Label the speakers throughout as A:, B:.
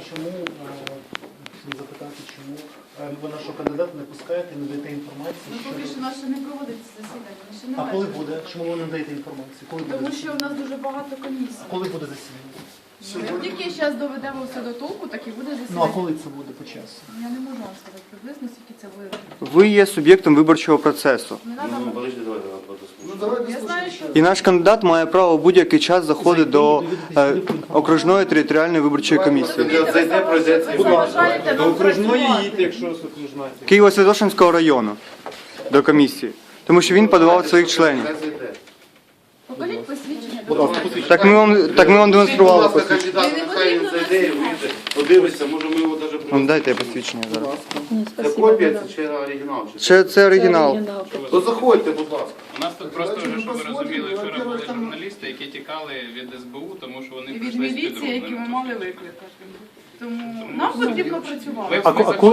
A: чому запитати, чому ви нашого кандидата не пускаєте, не даєте інформацію?
B: Ну, поки що у нас ще не проводиться засідання, ще не
A: А коли
B: бачимо.
A: буде? Чому ви не даєте інформацію? Коли буде
B: Тому що
A: засідання?
B: в нас дуже багато комісій.
A: Коли буде засідання?
B: Як тільки зараз доведемо все до толку, так і буде
A: Ну а
B: засідання.
A: коли це буде по часу?
B: Я не можу вам сказати приблизно, скільки це буде.
C: Ви є суб'єктом виборчого процесу.
B: Не треба.
D: Подожди, давай.
B: Я знаю, що
C: І наш кандидат має право в будь-який час заходити до окружної територіальної виборчої комісії.
D: Зайде, пройде цей
B: ви заважаєте нам працювати.
E: якщо окружна.
C: Києво-Святошинського району до комісії. Тому що він подавав своїх членів.
B: Покажіть посвідчення.
C: Так ми вам демонстрували
D: Будь ласка,
C: посвідчення.
D: кандидат, нехай він зайде і вийде. Подивиться, може ми його навіть
C: Ну,
D: привеземо.
C: дайте я посвідчення зараз.
D: Це копія, це чи оригінал?
C: Це оригінал.
D: То заходьте, будь ласка.
F: У нас тут просто вже, щоб ви розуміли, вчора були журналісти, які тікали від СБУ, тому що вони
B: І від
F: прийшли з
B: міліції, які ми
F: підробними.
B: мали викликати. Тому нам потрібно працювати.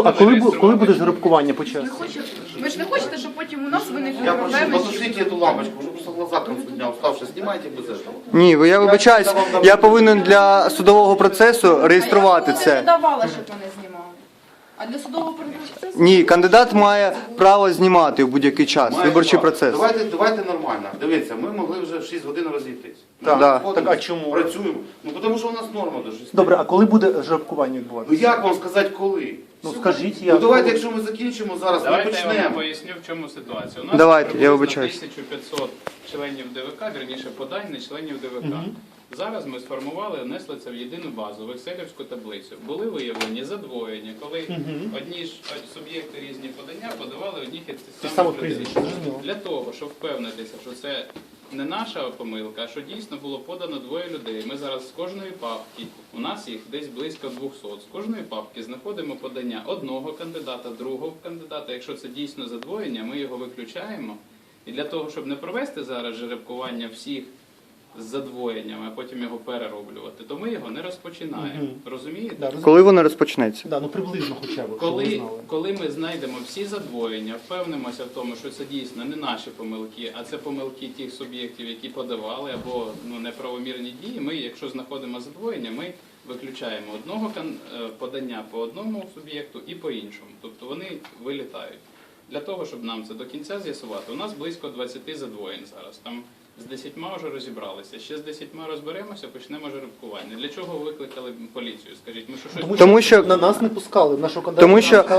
A: Коли буде жеребкування по часу?
B: Ви ж не хочете, щоб потім у нас виникли
D: Я прошу,
B: проблеми.
D: потушите эту лампочку, уже просто глаза к концу дня уставшие. Снимайте без этого.
C: Ні, я вибачаюсь, я повинен для судового процесу реєструвати
B: Я не
C: це.
B: давала, щоб мене знімали. А для судового процесу?
C: Ні, кандидат має право знімати в будь-який час
D: Має
C: виборчий
D: право.
C: процес.
D: Давайте нормально. Дивіться, ми могли вже в 6 годин розійтись.
C: Так.
D: Ми
C: Так,
D: виходимо,
A: а чому?
D: Працюємо. Ну, тому що у нас норма до 6.
A: Добре, а коли буде жеребкування
D: Ну
A: відбуватися?
D: як вам сказати коли?
A: Ну скажіть,
D: Ну
A: як.
D: давайте, якщо ми закінчимо зараз, ми
F: Давайте я вам
D: почнемо.
F: поясню, в чому ситуація. У нас
C: Давайте, я
F: приблизно
C: вибачаюсь.
F: 1500 членів ДВК, вірніше подань не членів ДВК. Зараз ми сформували, внесли це в єдину базу, в екселівську таблицю. Були виявлені задвоєння, коли одні ж суб'єкти різні подання подавали одних і тих самих людей.
A: прізвища, зрозуміло.
F: Для того, щоб впевнитися, що це не наша помилка, а що дійсно було подано двоє людей. Ми зараз з кожної папки, у нас їх десь близько 200, з кожної папки знаходимо подання одного кандидата, другого кандидата. Якщо це дійсно задвоєння, ми його виключаємо. І для того, щоб не провести зараз жеребкування всіх з задвоєннями, а потім його перероблювати, то ми його не розпочинаємо. Розумієте?
C: Коли воно розпочнеться?
A: Да, ну приблизно хоча б, щоб ви знали.
F: Коли ми знайдемо всі задвоєння, впевнимося в тому, що це дійсно не наші помилки, а це помилки тих суб'єктів, які подавали, або неправомірні дії, ми, якщо знаходимо задвоєння, ми виключаємо одного подання по одному суб'єкту і по іншому. Тобто вони вилітають. Для того, щоб нам це до кінця з'ясувати, у нас близько 20 задвоєнь зараз. Там з 10 вже розібралися. Ще з 10 розберемося, почнемо жеребкування. Для чого викликали поліцію? Скажіть, ми що щось...
C: Тому що
A: на нас не пускали, нашого кандидата.
C: Тому що